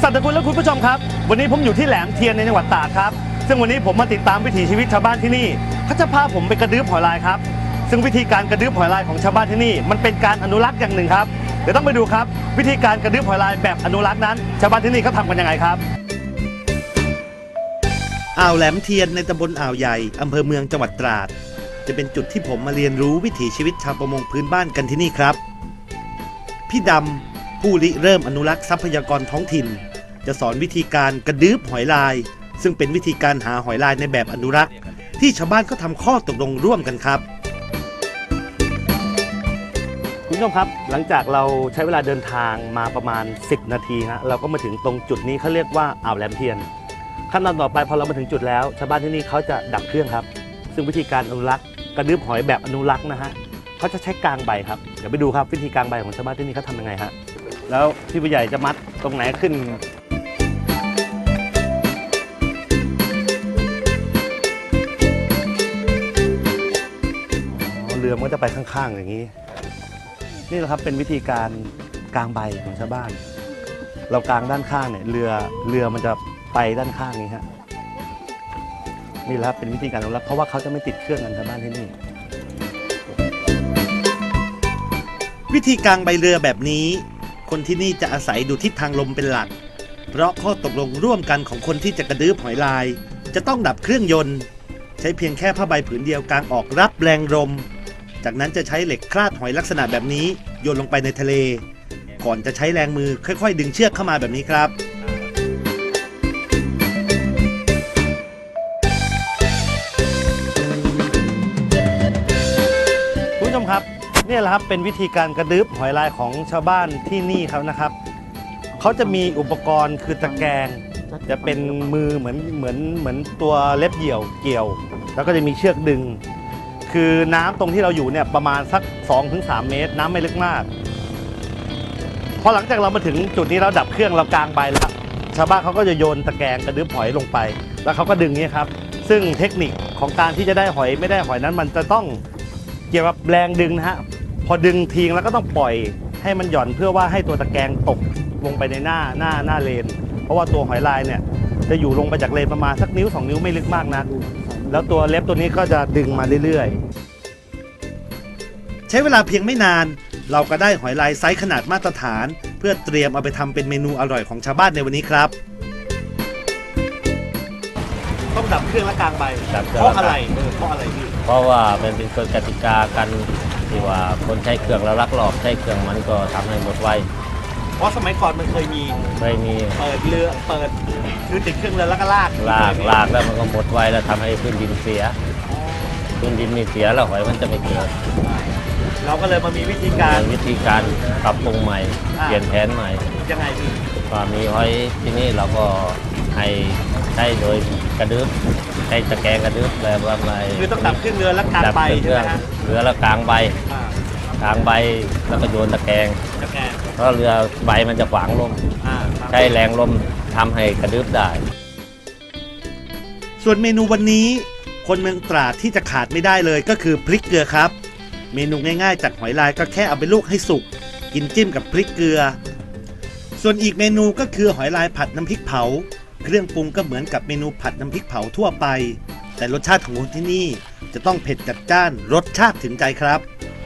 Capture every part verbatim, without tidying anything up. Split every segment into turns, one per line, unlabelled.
สัตว์คุณและคุณผู้ชมครับวันนี้ผมอยู่ที่แหลมเทียนในจังหวัดตราดครับซึ่งวันนี้ผมมาติดตามวิถีชีวิตชาวบ้านที่นี่เขาจะพาผมไปกระดื้อหอยลายครับซึ่งวิธีการกระดื้อหอยลายของชาวบ้านที่นี่มันเป็นการอนุรักษ์อย่างหนึ่งครับเดี๋ยวต้องไปดูครับวิธีการกระดื้อหอยลายแบบอนุรักษ์นั้นชาวบ้านที่นี่เขาทำกันยังไงครับ
อ่าวแหลมเทียนในตำบลอ่าวใหญ่อำเภอเมืองจังหวัดตราดจะเป็นจุดที่ผมมาเรียนรู้วิถีชีวิตชาวประมงพื้นบ้านกันที่นี่ครับพี่ดำผู้ริเริ่มอนุรักษ์ทรัพยากรท้องถิ่นจะสอนวิธีการกระดื้อหอยลายซึ่งเป็นวิธีการหาหอยลายในแบบอนุรักษ์ที่ชาวบ้านก็ทำข้อตกลงร่วมกันครับ
คุณผู้ชมครับหลังจากเราใช้เวลาเดินทางมาประมาณสิบนาทีฮะเราก็มาถึงตรงจุดนี้เขาเรียกว่าอ่าวแหลมเทียนขั้นตอนต่อไปพอเรามาถึงจุดแล้วชาวบ้านที่นี่เขาจะดับเครื่องครับซึ่งวิธีการอนุรักษ์กระดื้อหอยแบบอนุรักษ์นะฮะเขาจะใช้กางใบครับเดี๋ยวไปดูครับวิธีกางใบของชาวบ้านที่นี่เขาทำยังไงฮะแล้วพี่ผู้ใหญ่จะมัดตรงไหนขึ้นเรือมันก็จะไปข้างๆอย่างนี้นี่แหละครับเป็นวิธีการกางใบของชาวบ้านเรากางด้านข้างเนี่ยเรือเรือมันจะไปด้านข้างนี้ฮะนี่แหละครับเป็นวิธีการอนุรักษ์เพราะว่าเขาจะไม่ติดเครื่องกันชาวบ้านที่นี่
วิธีกางใบเรือแบบนี้คนที่นี่จะอาศัยดูทิศทางลมเป็นหลักเพราะข้อตกลงร่วมกันของคนที่จะกระดื้อหอยลายจะต้องดับเครื่องยนต์ใช้เพียงแค่ผ้าใบผืนเดียวกางออกรับแรงลมจากนั้นจะใช้เหล็กคลาดหอยลักษณะแบบนี้โยนลงไปในทะเลก่อนจะใช้แรงมือค่อยๆดึงเชือกเข้ามาแบบนี้ครับ
คุณผู้ชมครับนี่แหละครับเป็นวิธีการกระดื้อหอยลายของชาวบ้านที่นี่ครับนะครับเขาจะมีอุปกรณ์คือตะแกรงจะเป็นมือเหมือนเหมือนเหมือนตัวเล็บเหยี่ยวเกี่ยวแล้วก็จะมีเชือกดึงคือน้ำตรงที่เราอยู่เนี่ยประมาณสัก สองถึงสาม เมตรน้ำไม่ลึกมากพอหลังจากเรามาถึงจุดนี้เราดับเครื่องเรากางใบแล้วชาวบ้านเขาก็จะโยนตะแกรงกระดื้อหอยลงไปแล้วเขาก็ดึงนี่ครับซึ่งเทคนิคของการที่จะได้หอยไม่ได้หอยนั้นมันจะต้องเกี่ยวกับแรงดึงนะฮะพอดึงทิ้งแล้วก็ต้องปล่อยให้มันหย่อนเพื่อว่าให้ตัวตะแกรงตกลงไปในหน้าหน้าหน้าเลนเพราะว่าตัวหอยลายเนี่ยจะอยู่ลงไปจากเลนประมาณสักนิ้วสองนิ้วไม่ลึกมากนักแล้วตัวเล็บตัวนี้ก็จะดึงมาเรื่อย
ๆใช้เวลาเพียงไม่นานเราก็ได้หอยลายไซส์ขนาดมาตรฐานเพื่อเตรียมเอาไปทำเป็นเมนูอร่อยของชาวบ้านในวันนี้ครับ
ต้องดับเครื่องและกางใบเพราะอะไรเพราะอะไรพี่
เพราะว่ามันเป็นกฎกติกากันที่ว่าคนใช้เครื่องแล้วลักลอบใช้เครื่องมันก็ทำให้หมดไว
เพราะสมัยก่อนมันเคยมี
เคยมี
เปิดเรือเปิดคือติดเครื่องเรือแล้วก็ลาก
ลากลากแล้วมันก็หมดไวแล้วทำให้พื้นดินเสียพื้นดินมีเสียแล้วหอยมันจะไม่เกิด
เราก็เลยมามีวิธีการ
วิธีการปรับปรุงใหม่เปลี่ยนแผนใหม่
ยังไงพี่
พอมีหอยที่นี่เราก็ให้ใช้โดยกระดึ๊บใช้ตะแกรงกระดึ๊บแล้วว่าอะไร
คือต้องดับเครื่องเรือแล้วกางใบใช่ไหมฮะ
เรือแล้วกางใบกางใบแล้วก็โยนตะแกรงเพราะเรือใบมันจะขวางลมใช้แรงลมทำให้กระดึ๊บได้
ส่วนเมนูวันนี้คนเมืองตราดที่จะขาดไม่ได้เลยก็คือพริกเกลือครับเมนูง่ายๆจากหอยลายก็แค่เอาไปลวกให้สุกกินจิ้มกับพริกเกลือส่วนอีกเมนูก็คือหอยลายผัดน้ำพริกเผาเครื่องปรุงก็เหมือนกับเมนูผัดน้ำพริกเผาทั่วไปแต่รสชาติของคนที่นี่จะต้องเผ็ดจัดจ้านรสชาติถึงใจครับ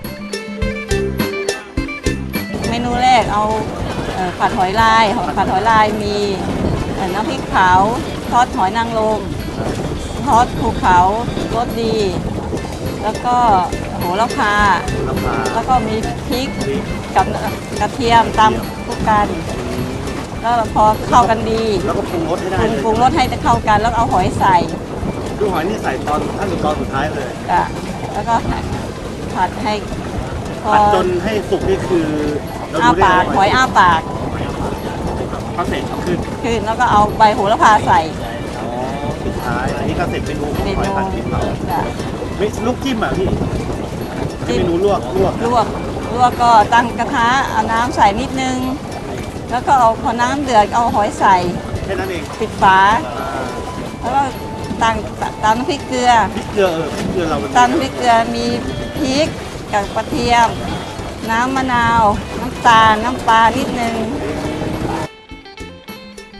เมนูแรกเอาผัดหอยลายผัดหอยลายมีน้ำพริกเผาทอดหอยนางรมทอดภูเขารสดีแล้วก็โหระพาแล้วก็มีพริกกับกระเทียมตำคู่กันแล้วพอเข้ากันดี
แล้วก็ปรุงรสให้ได้
ปรุงรสให้เข้ากันแล้วเอาหอยใส่
ดูหอยนี่ใส่ตอนขั้นตอนสุดท้ายเลย
อ่ะแล้วก็ผัดให้
ผัดจนให้สุกนี่คือ
อ้าปากหอยอ้าปาก
พอเสร็จขึ้น
ขึ้นแล้วก็เอาใบโหระพาใส่
อ๋อสุดท้ายอันนี้ก็เสร็จเมนูหอยผัดพริกเผาไม่ลูกจิ้มอ่ะพี่เมนูลวกลวก
ลวกลวกก็ตั้งกระทะเอาน้ำใส่นิดนึงแล้วก็เอาพอน้ำเดือดเอาหอยใส่
แค่นั้นเอง
ปิดฝาแล้วก็ตั้งตามน้ำพริกเกลือ
พริกเกลือเออพริกเกลือเรา
ตามน้ำพริกเกลือมีพริกกับกระเทียมน้ำมะนาวน้ำตาลน้ำปลานิดนึง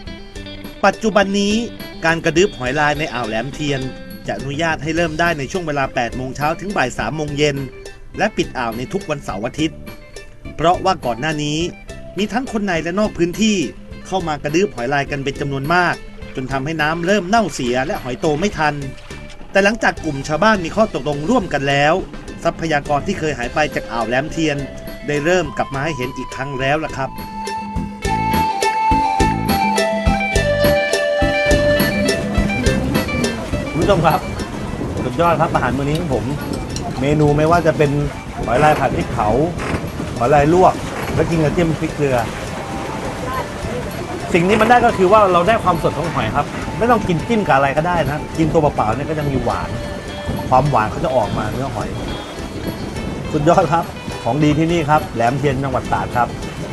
ปัจจุบันนี้การกระดึ๊บหอยลายในอ่าวแหลมเทียนจะอนุญาตให้เริ่มได้ในช่วงเวลา แปดโมงเช้าถึงบ่ายสามโมงเย็นและปิดอ่าวในทุกวันเสาร์อาทิตย์เพราะว่าก่อนหน้านี้มีทั้งคนในและนอกพื้นที่เข้ามากระดึ๊บหอยลายกันเป็นจำนวนมากจนทำให้น้ำเริ่มเน่าเสียและหอยโตไม่ทันแต่หลังจากกลุ่มชาวบ้านมีข้อตกลงร่วมกันแล้วทรัพยากรที่เคยหายไปจากอ่าวแหลมเทียนได้เริ่มกลับมาให้เห็นอีกครั้งแล้วล่ะครับ
คุณผู้ชมครับสุดยอดครับอาหารมื้อนี้ของผม เมนูไม่ว่าจะเป็นหอยลายผัดพริกเผาหอยลายลวกแล้วกินกับจิ้มพริกเกลือ สิ่งนี้มันได้ก็คือว่าเราได้ความสดของหอยครับไม่ต้องกินจิ้มกับอะไรก็ได้นะกินตัวเปล่าๆเนี่ยก็จะมีหวานความหวานเขาจะออกมาเนื้อหอยสุดยอดครับของดีที่นี่ครับแหลมเทียนจังหวัดตราดครับ